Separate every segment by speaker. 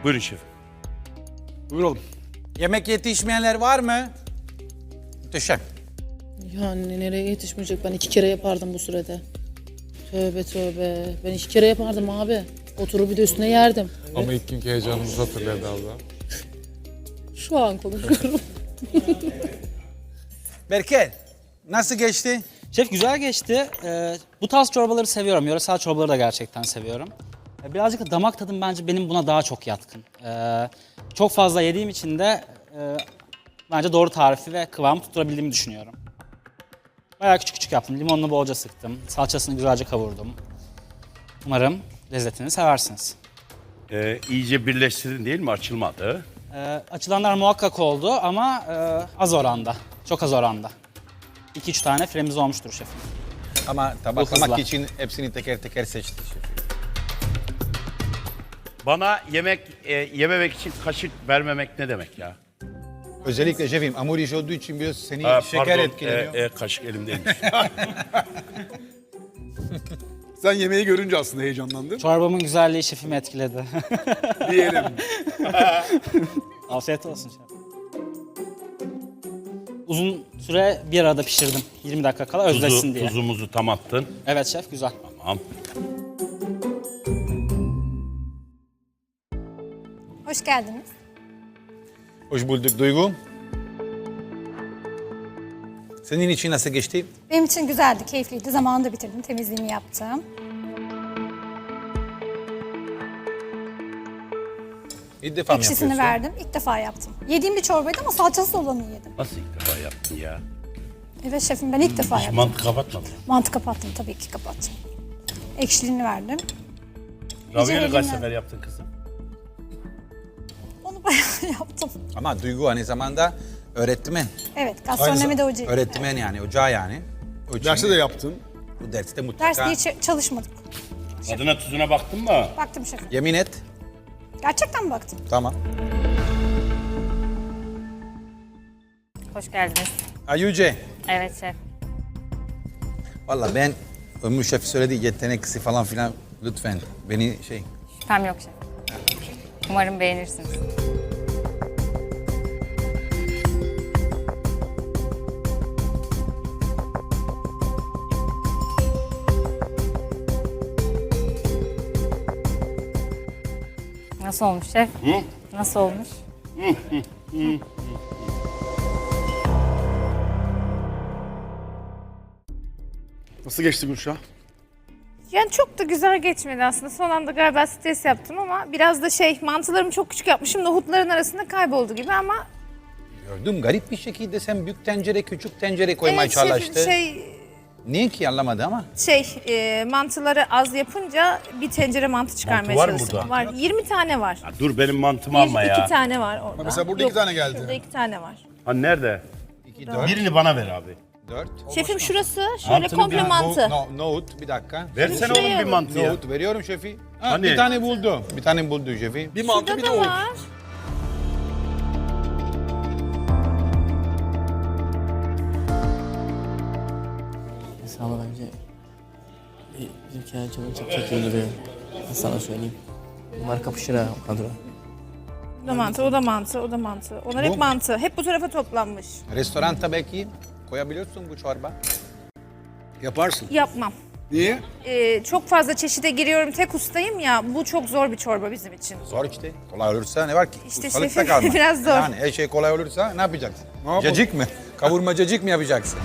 Speaker 1: Buyurun şefim.
Speaker 2: Buyuralım.
Speaker 3: Yemek yetişmeyenler var mı? Muhteşem.
Speaker 4: Yani nereye yetişmeyecek? Ben 2 kere yapardım bu sürede. Tövbe tövbe. Ben 2 kere yapardım abi. Oturup bir de üstüne yerdim.
Speaker 2: Ama ilk günkü heyecanımızı hatırladı abla.
Speaker 4: Şu an konuşuyorum.
Speaker 3: Berke, nasıl geçti?
Speaker 5: Şef güzel geçti. Bu tarz çorbaları seviyorum. Yöresel çorbaları da gerçekten seviyorum. Birazcık da damak tadım bence benim buna daha çok yatkın. Çok fazla yediğim için de bence doğru tarifi ve kıvamı tutturabildiğimi düşünüyorum. Bayağı küçük küçük yaptım. Limonunu bolca sıktım. Salçasını güzelce kavurdum. Umarım lezzetini seversiniz.
Speaker 1: İyice birleştirdin değil mi? Açılmadı.
Speaker 5: Açılanlar muhakkak oldu ama az oranda. Çok az oranda. 2-3 tane firemiz olmuştur şefim.
Speaker 3: Ama
Speaker 5: Bu
Speaker 3: tabaklamak
Speaker 5: hızla.
Speaker 3: için hepsini teker teker seçti.
Speaker 1: Bana yememek için kaşık vermemek ne demek ya?
Speaker 3: Özellikle şefim hamur iş olduğu için biraz seni
Speaker 1: Ha,
Speaker 3: şeker
Speaker 1: pardon,
Speaker 3: etkileniyor.
Speaker 1: kaşık elimdeymiş.
Speaker 2: Sen yemeği görünce aslında heyecanlandın.
Speaker 5: Çorbamın güzelliği şefimi etkiledi.
Speaker 2: Diyelim.
Speaker 5: Afiyet olsun şef. Uzun süre bir arada pişirdim. 20 dakika kala özleşsin diye.
Speaker 1: Tuzumuzu tam attın.
Speaker 5: Evet şef güzel.
Speaker 1: Tamam.
Speaker 6: Hoş geldiniz.
Speaker 3: Hoş bulduk Duygu. Senin için nasıl geçti?
Speaker 6: Benim için güzeldi, keyifliydi. Zamanında bitirdim, temizliğimi yaptım.
Speaker 3: İlk defa mı
Speaker 6: Ekşisini
Speaker 3: yapıyorsun?
Speaker 6: verdim, ilk defa yaptım. Yediğim bir çorbaydı ama salçasız olanı yedim.
Speaker 1: Nasıl ilk defa yaptın ya?
Speaker 6: Evet şefim, ben ilk defa
Speaker 1: Hiç
Speaker 6: yaptım.
Speaker 1: mantı kapatmadın.
Speaker 6: Mantı kapattım, tabii ki kapattım. Ekşiliğini verdim.
Speaker 1: Ravioli kaç
Speaker 6: elimle-
Speaker 1: sefer yaptın kızım?
Speaker 6: Onu bayağı yaptım.
Speaker 3: Ama Duygu aynı zamanda öğretmen.
Speaker 6: Evet, gastronomi de hocayım.
Speaker 3: Öğretmen yani, ocağı yani. O için
Speaker 2: Derste de yaptın.
Speaker 3: bu derste mutlaka
Speaker 6: Ders diye çalışmadık.
Speaker 1: Tadına tuzuna baktın mı?
Speaker 6: Baktım şefim.
Speaker 3: yemin et.
Speaker 6: Gerçekten mi baktım?
Speaker 3: Tamam.
Speaker 7: Hoş geldiniz.
Speaker 3: Ayuce.
Speaker 7: Evet şef.
Speaker 3: Valla ben Ömür Şef söyledi yeteneksi falan filan lütfen beni
Speaker 7: Şüphem yok şef. Umarım beğenirsiniz. Nasıl olmuş şef? Nasıl olmuş?
Speaker 2: Nasıl geçti Gülşah?
Speaker 8: Yani çok da güzel geçmedi aslında. Son anda galiba stres yaptım ama biraz da mantılarımı çok küçük yapmışım. Nohutların arasında kayboldu gibi ama
Speaker 3: gördüm garip bir şekilde sen büyük tencere küçük tencere koymaya çalıştı. Niye ki anlamadı ama.
Speaker 8: Mantıları az yapınca bir tencere mantı çıkarmaya
Speaker 1: Mantı var mı
Speaker 8: çalıştım.
Speaker 1: burada?
Speaker 8: Var. 20 tane var.
Speaker 1: Ya dur benim mantımı alma ya.
Speaker 8: 2 tane var orada.
Speaker 2: mesela burada 2 tane geldi.
Speaker 8: Şurada 2 tane var.
Speaker 1: Ha nerede?
Speaker 3: 2, 4,
Speaker 1: Birini bana ver abi.
Speaker 3: 4.
Speaker 8: Şefim şurası şöyle
Speaker 1: Mantının
Speaker 8: komple
Speaker 1: bir-
Speaker 8: mantı.
Speaker 3: Nohut bir dakika.
Speaker 1: Versene
Speaker 8: Şuraya
Speaker 1: oğlum bir
Speaker 8: alın.
Speaker 1: mantı ya.
Speaker 3: Nohut veriyorum şefi. Ha,
Speaker 1: Hani?
Speaker 3: Bir tane buldu. Bir tane buldu şefi.
Speaker 2: Bir mantı
Speaker 8: Şurada
Speaker 2: bir de
Speaker 8: da
Speaker 2: o.
Speaker 8: var.
Speaker 9: Hesabı bence bizimki acaba çok iyi duruyor. Sana söyleyeyim. Bunlar kapışır ha o kadro.
Speaker 8: O da mantı, o da mantı, o da mantı. Onlar
Speaker 3: Bu-
Speaker 8: hep mantı. Hep bu tarafa toplanmış.
Speaker 3: Restoranda belki koyabiliyorsun bu çorba.
Speaker 2: Yaparsın.
Speaker 8: Yapmam.
Speaker 2: Niye?
Speaker 8: Çok fazla çeşide giriyorum. Tek ustayım ya. Bu çok zor bir çorba bizim için.
Speaker 3: Zor işte. Kolay olursa ne var ki?
Speaker 8: İşte
Speaker 3: Ustalıkta
Speaker 8: şefim,
Speaker 3: kalma.
Speaker 8: biraz zor.
Speaker 3: Yani her şey kolay olursa ne yapacaksın?
Speaker 2: Ne yapalım?
Speaker 3: Cacık mı? Kavurma cacık mı yapacaksın?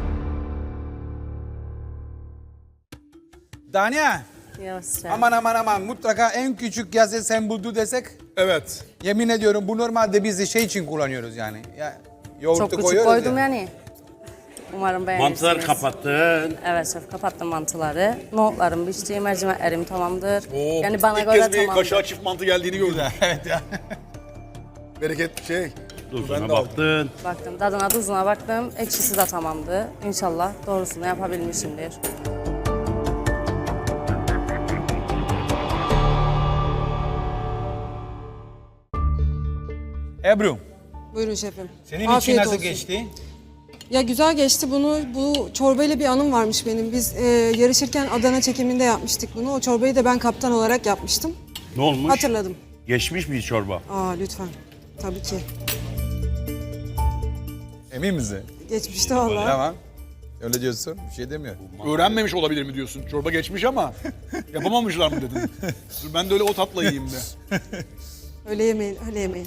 Speaker 3: Dania, aman aman aman mutlaka en küçük yazı sen buldu desek
Speaker 2: Evet.
Speaker 3: yemin ediyorum bu normalde biz de şey için kullanıyoruz yani. Ya, yoğurtu
Speaker 10: Çok küçük
Speaker 3: koyuyoruz
Speaker 10: koydum
Speaker 3: ya.
Speaker 10: yani. Umarım beğenirsiniz.
Speaker 1: Mantıları kapattın.
Speaker 10: Evet şef kapattım mantıları. Nohutlarım pişti, mercimeklerim tamamdır.
Speaker 2: Oo,
Speaker 10: Yani bana
Speaker 2: ilk
Speaker 10: göre
Speaker 2: kez bir
Speaker 10: tamamdır.
Speaker 2: kaşığa çift mantı geldiğini gördüm.
Speaker 3: Evet ya.
Speaker 2: Bereket Ben
Speaker 1: Tuzuna
Speaker 2: de aldım.
Speaker 1: baktın.
Speaker 10: Baktım tadına tuzuna baktım. Ekşisi de tamamdı. İnşallah doğrusunu yapabilmişimdir.
Speaker 3: Ebru,
Speaker 11: Buyurun şefim.
Speaker 3: senin
Speaker 11: Afiyet
Speaker 3: için nasıl
Speaker 11: olsun.
Speaker 3: geçti?
Speaker 11: Ya güzel geçti. Bu çorbayla bir anım varmış benim. Biz yarışırken Adana çekiminde yapmıştık bunu. O çorbayı da ben kaptan olarak yapmıştım.
Speaker 1: Ne olmuş?
Speaker 11: Hatırladım.
Speaker 1: Geçmiş bir çorba.
Speaker 11: Aa lütfen. Tabii ki.
Speaker 3: Emin misin?
Speaker 11: Geçmişte vallahi.
Speaker 3: Tamam. Öyle diyorsun. Bir şey demiyor.
Speaker 2: Öğrenmemiş olabilir mi diyorsun? Çorba geçmiş ama yapamamışlar mı dedin? Dur ben de öyle o tatla yiyeyim de.
Speaker 11: Öyle yemeyin, öyle yemeyin.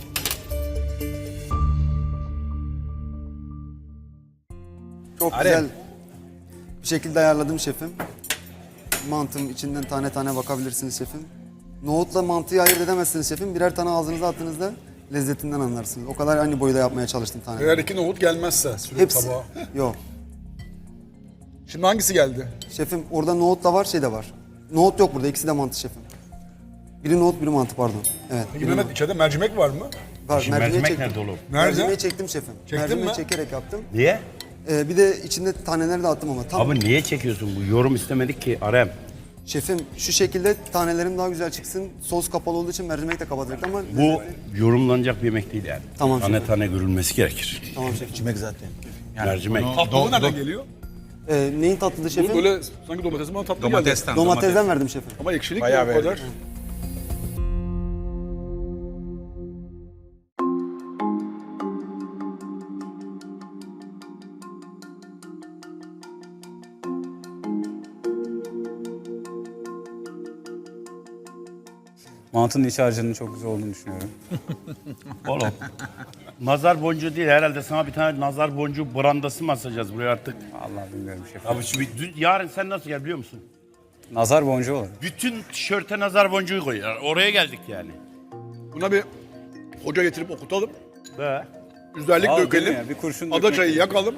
Speaker 12: Çok
Speaker 3: Arem.
Speaker 12: güzel bir şekilde ayarladım şefim. Mantım içinden tane tane bakabilirsiniz şefim. Nohutla mantıyı ayırt edemezsiniz şefim. Birer tane ağzınıza attığınızda lezzetinden anlarsınız. O kadar aynı boyda yapmaya çalıştım tane.
Speaker 2: Eğer 2 nohut gelmezse sürekli
Speaker 12: Hepsi.
Speaker 2: tabağa.
Speaker 12: Yok.
Speaker 2: Şimdi hangisi geldi?
Speaker 12: Şefim orada nohut da var, şey de var. Nohut yok burada, ikisi de mantı şefim. Biri nohut, biri mantı pardon. Evet.
Speaker 2: Peki
Speaker 12: biri
Speaker 2: Mehmet
Speaker 12: nohut.
Speaker 2: içeride mercimek var mı?
Speaker 12: Var,
Speaker 1: Şimdi
Speaker 12: mercimeği
Speaker 1: mercimek
Speaker 12: çektim.
Speaker 1: nerede oğlum?
Speaker 2: Nerede?
Speaker 12: Mercimeği çektim şefim.
Speaker 2: Çektin
Speaker 12: Mercimeği
Speaker 2: mi?
Speaker 12: çekerek yaptım.
Speaker 1: Niye?
Speaker 12: Bir de içinde taneleri de attım ama. Tam
Speaker 1: Abi niye çekiyorsun bu? Yorum istemedik ki Arem.
Speaker 12: şefim şu şekilde tanelerim daha güzel çıksın. Sos kapalı olduğu için mercimek de kapatacaktı ama...
Speaker 1: Bu yorumlanacak bir yemek değil yani.
Speaker 12: Tamam
Speaker 1: Tane
Speaker 12: şefim.
Speaker 1: tane görülmesi gerekir.
Speaker 12: Tamam şefim.
Speaker 3: İçmek zaten.
Speaker 1: Mercimek.
Speaker 2: Tatlı nereden geliyor?
Speaker 12: Neyin tatlısı
Speaker 2: Bu
Speaker 12: şefim?
Speaker 2: böyle sanki domatesin bana tatlı geldi.
Speaker 3: Domatesten.
Speaker 12: Domatesden verdim şefim.
Speaker 2: Ama ekşilik
Speaker 3: Bayağı
Speaker 2: mi o kadar?
Speaker 3: verdim.
Speaker 5: Mantının iç harcının çok güzel olduğunu düşünüyorum.
Speaker 1: Oğlum. Nazar boncuğu değil herhalde, sana bir tane nazar boncuğu brandası mı asacağız buraya artık?
Speaker 5: Allah bilmiyorum şef.
Speaker 1: Abi şimdi yarın sen nasıl gel biliyor musun?
Speaker 5: Nazar boncuğu olur.
Speaker 1: Bütün tişörte nazar boncuğu koy. Oraya geldik yani.
Speaker 2: Buna bir hoca getirip okutalım.
Speaker 1: Be.
Speaker 2: Üzerlik
Speaker 5: Al, değil
Speaker 2: dökelim.
Speaker 5: mi ya? Bir kurşun
Speaker 2: Ada
Speaker 5: dökmek
Speaker 2: çayı
Speaker 5: gibi.
Speaker 2: yakalım.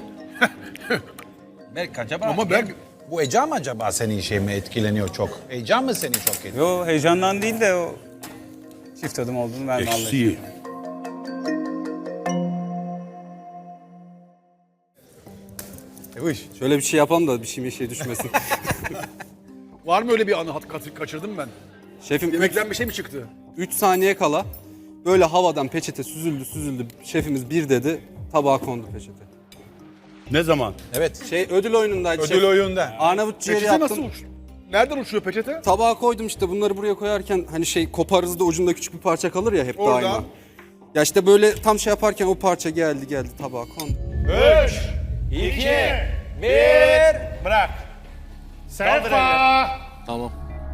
Speaker 3: Belki acaba...
Speaker 2: Ama ben
Speaker 3: Bu heyecan mı acaba senin şey mi etkileniyor çok? Heyecan mı seni çok etkileniyor?
Speaker 5: Yo heyecandan değil de o çift adım olduğunu ben de anladım.
Speaker 1: Eksiği.
Speaker 9: Şöyle bir şey yapalım da bir şey düşmesin.
Speaker 2: var mı öyle bir anı kaçırdım ben?
Speaker 9: Şefim
Speaker 2: Yemekten bir şey mi çıktı?
Speaker 9: 3 saniye kala böyle havadan peçete süzüldü. Şefimiz bir dedi, tabağa kondu peçete.
Speaker 1: Ne zaman?
Speaker 3: Evet.
Speaker 9: Ödül oyunundaydı
Speaker 3: Ödül oyunda.
Speaker 9: Arnavut ciğeri
Speaker 2: Peçete
Speaker 9: yaptım.
Speaker 2: nasıl uçtu? Nereden uçuyor peçete?
Speaker 9: Tabağa koydum işte bunları buraya koyarken hani koparız da ucunda küçük bir parça kalır ya hep
Speaker 2: Orada.
Speaker 9: daima. Ya işte böyle tam şey yaparken o parça geldi tabağa kondu.
Speaker 1: 3, 2, 1, bırak. Sefa.
Speaker 9: Tamam.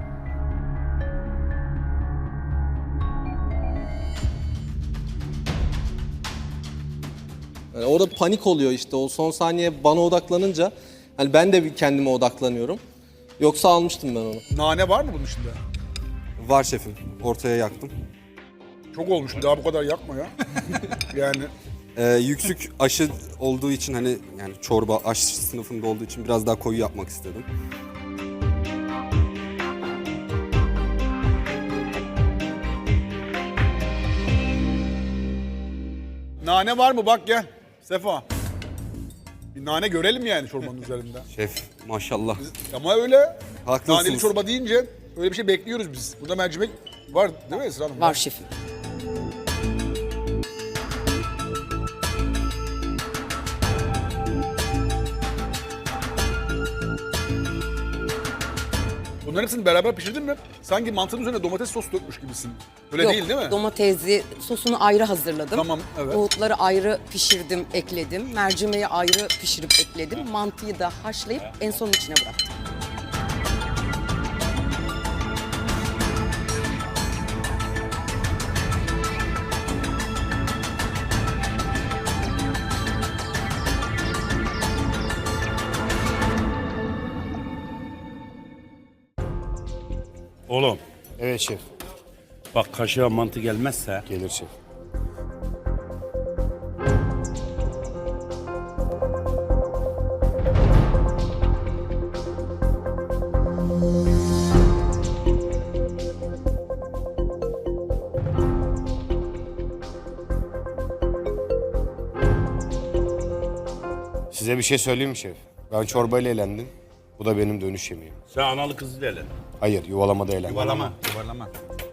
Speaker 9: Yani orada panik oluyor işte o son saniye bana odaklanınca hani ben de bir kendime odaklanıyorum. Yoksa almıştım ben onu.
Speaker 2: Nane var mı bunun içinde?
Speaker 9: Var şefim. Ortaya yaktım.
Speaker 2: Çok olmuş. Daha bu kadar yakma ya. yani
Speaker 9: Yüksük aşı olduğu için hani yani çorba aş sınıfında olduğu için biraz daha koyu yapmak istedim.
Speaker 2: nane var mı? Bak gel. Sefa. Bir nane görelim yani çorbanın üzerinde.
Speaker 9: Şef maşallah.
Speaker 2: Ama öyle.
Speaker 9: Haklısınız.
Speaker 2: Naneli çorba deyince öyle bir şey bekliyoruz biz. Burada mercimek var değil mi Esra Hanım?
Speaker 10: Var şefim.
Speaker 2: Bunların hepsini beraber pişirdin mi? Sanki mantının üzerine domates sos dökmüş gibisin. Öyle
Speaker 10: Yok,
Speaker 2: değil mi?
Speaker 10: domatesli sosunu ayrı hazırladım.
Speaker 2: Tamam, evet.
Speaker 10: Nohutları ayrı pişirdim, ekledim. Mercimeği ayrı pişirip ekledim. Mantıyı da haşlayıp en son içine bıraktım.
Speaker 1: Oğlum
Speaker 12: Evet şef.
Speaker 1: bak kaşığa mantı gelmezse
Speaker 12: Gelir şef.
Speaker 13: Size bir şey söyleyeyim mi şef? Ben çorbayla eğlendim. Bu da benim dönüş yemeğim.
Speaker 1: sen analı kızı dele.
Speaker 13: Hayır, yuvalamada eğlendim.
Speaker 1: Yuvalama.
Speaker 3: Yuvarlama.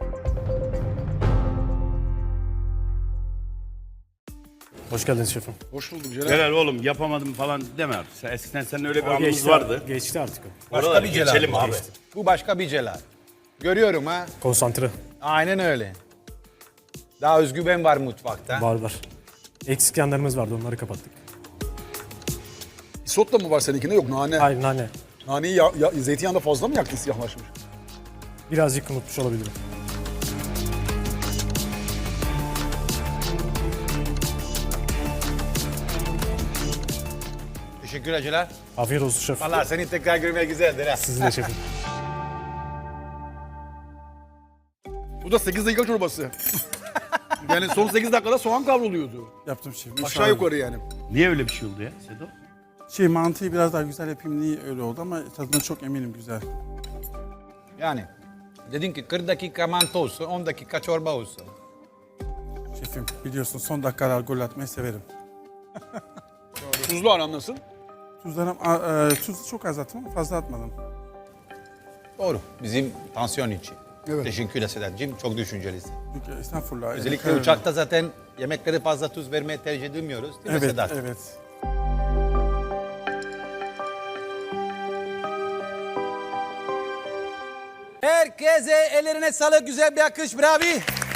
Speaker 12: Hoş geldiniz şefim.
Speaker 2: Hoş buldum Celal.
Speaker 1: Helal oğlum yapamadım falan deme artık. Eskiden senin öyle bir anımız vardı.
Speaker 12: Geçti artık.
Speaker 3: Başka
Speaker 1: Oraları
Speaker 3: bir Celal
Speaker 1: geçelim
Speaker 3: bu
Speaker 1: abi.
Speaker 3: Bu başka bir Celal. Görüyorum ha.
Speaker 12: Konsantre.
Speaker 3: Aynen öyle. Daha özgüven var mutfakta.
Speaker 14: Var. Eksik yanlarımız vardı, onları kapattık.
Speaker 2: Isot da mı var seninkinde? Yok nane.
Speaker 14: Hayır, nane.
Speaker 2: Naneyi zeytinyağında fazla mı yaktın, siyahlaşmış?
Speaker 14: Birazcık unutmuş olabilirim.
Speaker 3: Teşekkür ederim.
Speaker 14: Afiyet olsun şef.
Speaker 3: Vallahi seni tekrar görmek güzeldir ha.
Speaker 14: Sizin de şefim.
Speaker 2: Bu da 8 dakika çorbası. Yani son 8 dakikada soğan kavruluyordu.
Speaker 15: Yaptım şefim.
Speaker 2: Aşağı yukarı yani.
Speaker 1: Niye öyle bir şey oldu ya Sedo?
Speaker 15: Mantıyı biraz daha güzel yapayım diye öyle oldu ama tadına çok eminim güzel.
Speaker 3: Yani dedin ki 40 dakika mantı olsun, 10 dakika çorba olsun.
Speaker 15: Şefim biliyorsun son dakikalar gol atmayı severim.
Speaker 2: Tuzlu aran nasıl?
Speaker 15: Tuzu çok az attım ama fazla atmadım.
Speaker 3: Doğru. Bizim tansiyon için.
Speaker 2: Evet.
Speaker 3: Teşekkürler Sedat'cığım. Çok düşüncelisin.
Speaker 15: Estağfurullah.
Speaker 3: Özellikle uçakta zaten yemeklere fazla tuz vermeye tercih edemiyoruz. Değil mi
Speaker 15: Evet,
Speaker 3: Sedat?
Speaker 15: evet.
Speaker 3: Herkese ellerine sağlık, güzel bir akış, bravo.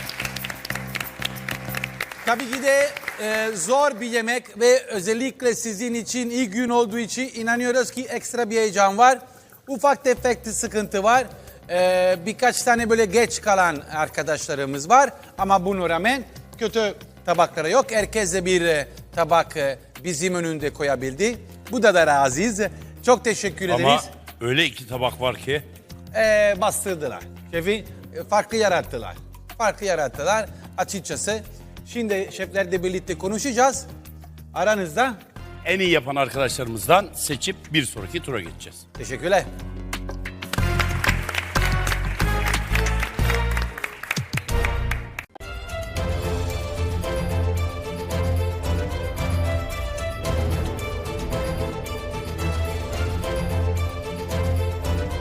Speaker 3: Tabii ki de zor bir yemek ve özellikle sizin için ilk gün olduğu için inanıyoruz ki ekstra bir heyecan var. Ufak tefek sıkıntı var. Birkaç tane böyle geç kalan arkadaşlarımız var ama buna rağmen kötü tabakları yok. Herkes de bir tabak bizim önünde koyabildi. Bu da razıyız. Çok teşekkür ederiz.
Speaker 1: Ama öyle 2 tabak var ki.
Speaker 3: Bastırdılar. Şefi farkı yarattılar. Farkı yarattılar açıkçası. Şimdi şeflerle birlikte konuşacağız. Aranızda
Speaker 1: En iyi yapan arkadaşlarımızdan seçip bir sonraki tura geçeceğiz.
Speaker 3: teşekkürler.